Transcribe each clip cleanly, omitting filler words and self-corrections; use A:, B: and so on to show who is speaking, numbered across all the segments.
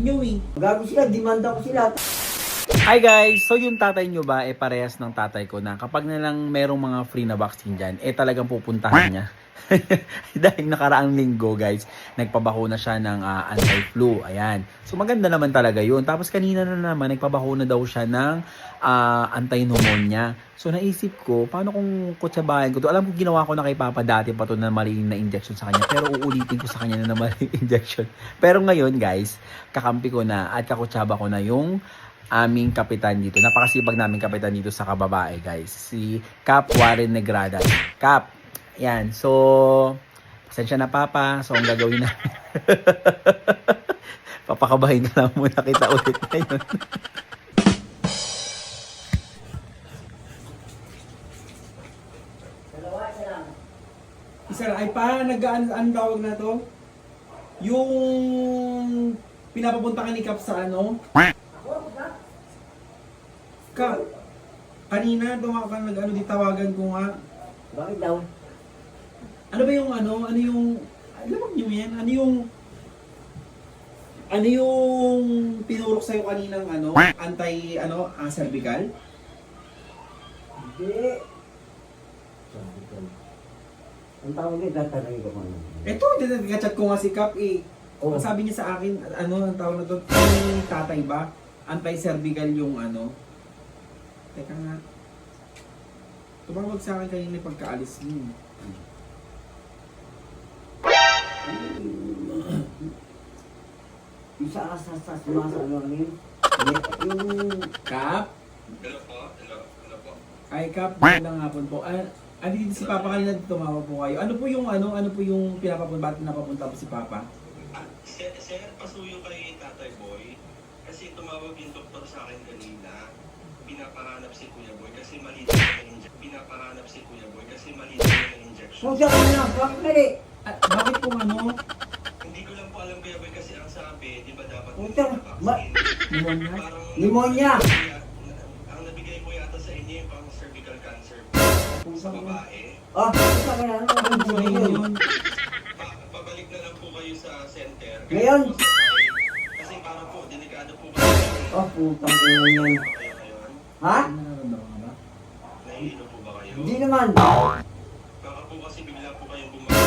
A: inyo eh.
B: Gago sila, demanda ko sila.
C: Hi guys! So yung tatay nyo ba, parehas ng tatay ko na kapag nalang merong mga free na vaccine dyan, talagang pupuntahan niya. Dahil nakaraang linggo guys, nagpabakuna siya ng anti-flu. Ayan. So maganda naman talaga yun. Tapos kanina na naman, nagpabakuna daw siya ng anti-pneumonia. So naisip ko, paano kung kutsabahan ko to? Alam ko ginawa ko na kay Papa dati pa to na maling na injection sa kanya. Pero uulitin ko sa kanya na maling injection. Pero ngayon guys, kakampi ko na at kakutsaba ko na yung aming kapitan dito. Napakasipag naming kapitan dito sa kababae guys. Si Cap Warren Negrada. Cap, yan. So, pasensya na Papa. So, ang gagawin na. Papakabahin ka lang muna kita ulit ngayon.
A: Isa ay pa, ang tawag na to? Yung pinapapunta ka ni Cap sa ano? Kanina tumawa ka nag-ano di tawagan ko nga.
B: Bakit daw?
A: Ano ba yung ano? Ano yung alam niyo yan? Ano yung pinurok sa'yo kaninang ano? Cervical?
B: Hindi. Ang tawag niya, tatanay ko ano.
A: Ito, nag-chat ko nga si Cap eh.
B: Oh.
A: Ang sabi niya sa akin, ano ang tawag na to? Yung tatay ba? Anti-cervical yung ano? Teka nga. Tumawag sa akin kanina pagkaalis niyo.
B: Yung sa ano yun? Yung...
A: Cap?
D: Hello po.
A: Ay, Cap, magandang hapon po. Dito si Papa kanina tumawag po kayo. Ano po yung pinapapunta? Bakit napapunta po si Papa?
D: Sir, pasuyo kay Tatay Boy. Kasi tumawag yung doktor sa akin kanina. Pinapahanap si Kuya Boy kasi mali daw yung injection. Pinapahanap si Kuya Boy kasi mali daw yung injection.
B: Pusa ka na, bakit mali?
A: Bakit po ano?
D: Hindi ko lang po alam Kuya Boy kasi ang sabi, di ba dapat
B: Puta,
A: Pneumonia?
D: Parang
B: Pneumonia!
D: ang nabigay ko yata sa inyo yung pang cervical cancer sa babae.
B: Ah, pusa ka na, ano
A: Ano
B: yun?
A: yun?
D: Pabalik na lang po kayo sa center.
B: Ngayon?
D: Kasi parang po, delikado po kasi.
B: Ah, putang ina yan.
D: Kayo ngayon?
B: Ha?
A: Ano nararamdaman ka ba?
D: Nahihilo po ba kayo?
B: Hindi naman.
D: Baka po kasi bigla po kayong bumagal.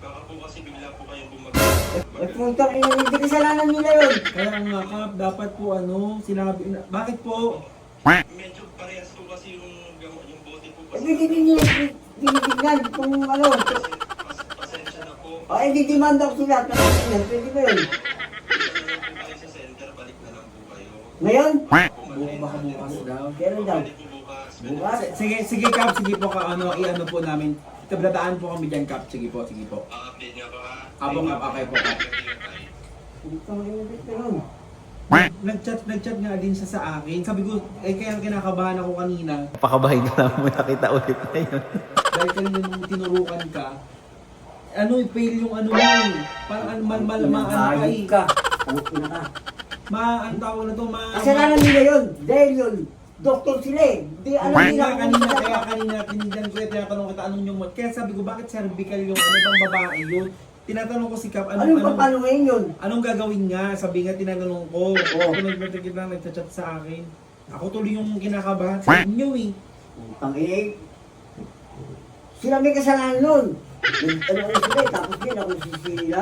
B: Eh, putang ina, hindi kasalanan nila yun.
A: Kaya nga Cap, dapat po ano, sinabi na, bakit po?
D: Medyo parehas po kasi yung bote po
B: Eh,
D: kasi.
B: hindi nila tinitignan kung ano.
D: Pasensya na po.
B: Ah, hindi demanda ko sila. Tanong yan, pwede ba yun?
D: Dito na lang po kayo sa center, balik na lang po kayo.
B: Ngayon?
A: Baka bukas daw.
B: Kailan daw?
D: Pwede po bukas.
B: Bukas?
A: Sige Cap, sige po i-ano po namin. Tablataan po kami dyan Cap, sige po.
D: Update niyo ako ha.
A: Apo Cap, okay po Cap.
B: Putang ina, ba't ganun?
A: Nag-chat nga din siya sa akin. Sabi ko, kaya kinakabahan ako kanina.
C: Papakabahin ka lang muna kita ulit ngayon.
A: Dahil kanina nung tinurukan ka, fail yung ano mo eh. Parang
B: Pinakayod ka. Putin ka.
A: ang tawag na to,
B: Kasalanan nila yun. Dahil yun. Doktor sila eh. Di alam nila
A: Kaya kanina, tinignan ko tinatanong kita anong yung kaya sabi ko, bakit cervical yung bang babae yun? Tinatanong ko si Cap,
B: Anong paano ngayon yun?
A: anong gagawin nga? Sabi nga, tinatanong ko.
B: Oo.
A: Ako nagchat sa akin. Ako tuloy yung kinakabahan sa inyo eh.
B: Putang ina. Sila may kasalanan nun. Ano sila eh. Tapos yun ako sisila.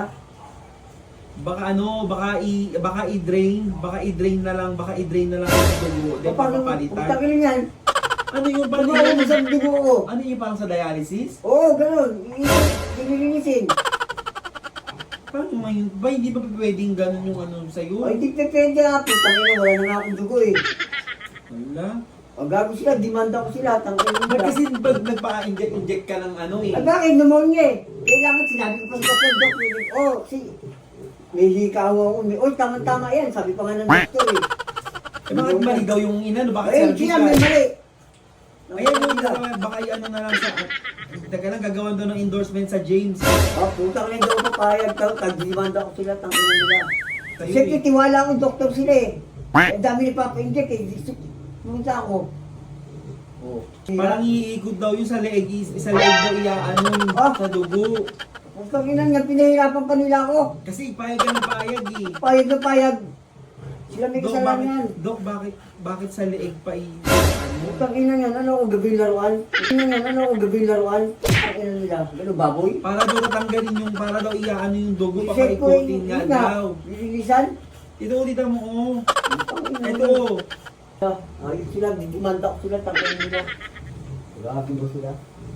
A: Baka i-drain na lang ang dugo. Di ba
B: Paano?
A: papalitan?
B: Putang ina yan.
A: Ano yung
B: Ano mo sa dugo ko?
A: Ano yung parang sa dialysis?
B: Oo, ganun. Nililinisin.
A: Paano ngayon? Ba hindi ba pwedeng ganun yung ano sa'yo?
B: Ay, di pwede nga. Putang ina, wala na nga akong dugo eh.
A: Wala.
B: Pag gago sila, demanda ko sila. Tangin mo
A: Ba't kasi nagpa-inject ka ng ano eh?
B: Ay, bakit? Pneumonia eh. Kailangan sinabi ko pa sa doktor. Oh, may hikaw ako. Oy, tama-tama yan. Sabi pa nga ng doktor eh.
A: Eh bakit mali daw yung ina? No? Bakit
B: Ay,
A: cervical?
B: sila may mali.
A: Ayan yung baka ano na lang sa... Teka lang, gagawan daw ng endorsement sa James.
B: Ah, putang ina daw papayag daw. Tag-demanda ko sila. Tangin nila.
A: Sa'yo
B: Siyempre,
A: eh.
B: tiwala akong doktor sila eh. Ang dami ni Papa Inject eh. Pumunta ako. Oh.
A: Parang iikot daw yung sa leeg. Isa leeg daw iaano sa dugo.
B: Putang ina nga, pinahirapan pa nila ako.
A: Kasi payag ka ng payag eh.
B: Payag na payag. Sila may
A: Dok,
B: kasalanan.
A: Dok, bakit sa leeg pa ano?
B: Utang ina yan, ano ako gabing laruan? Ina yan, ano ako gabing laruan? Ang ina nila, gano'n baboy?
A: Para daw tatanggalin yung, para daw iyaano yung dugo,
B: Isip ko
A: papaikutin nga daw.
B: Lililisan?
A: Ito, dito mo, oh.
B: Utang ina
A: Ito.
B: nila. Ayun sila, didimanda ko sila, tangin nila. Grabe ba sila?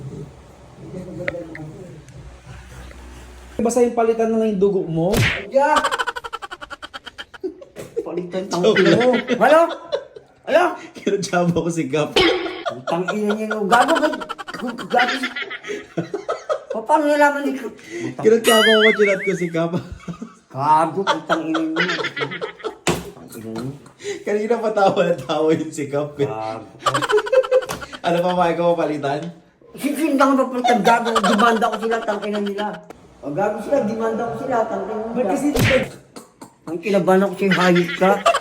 A: Basta yung palitan na lang yung dugo mo.
B: Adya! Palitan tangin mo. Halo? Halo?
A: Kinatsaba ko si Gap.
B: Ang tangin niya yung gago ba? Gago. Paano nalaman ni
A: Kinatsaba ko, chinat ko si Gap.
B: Gago, ang tangin niya. Tangin niya.
A: Kanina patawa na tawa yun si Gap.
B: Gago.
A: Ano pa ba ikaw palitan?
B: Sisindang ba pala gago? Dimanda ko sila, tangin nila. O gago sila, dimanda ko sila, tangin nila.
A: Ba't kasi
B: Ang kinabahan ako sa'yo, hayop ka.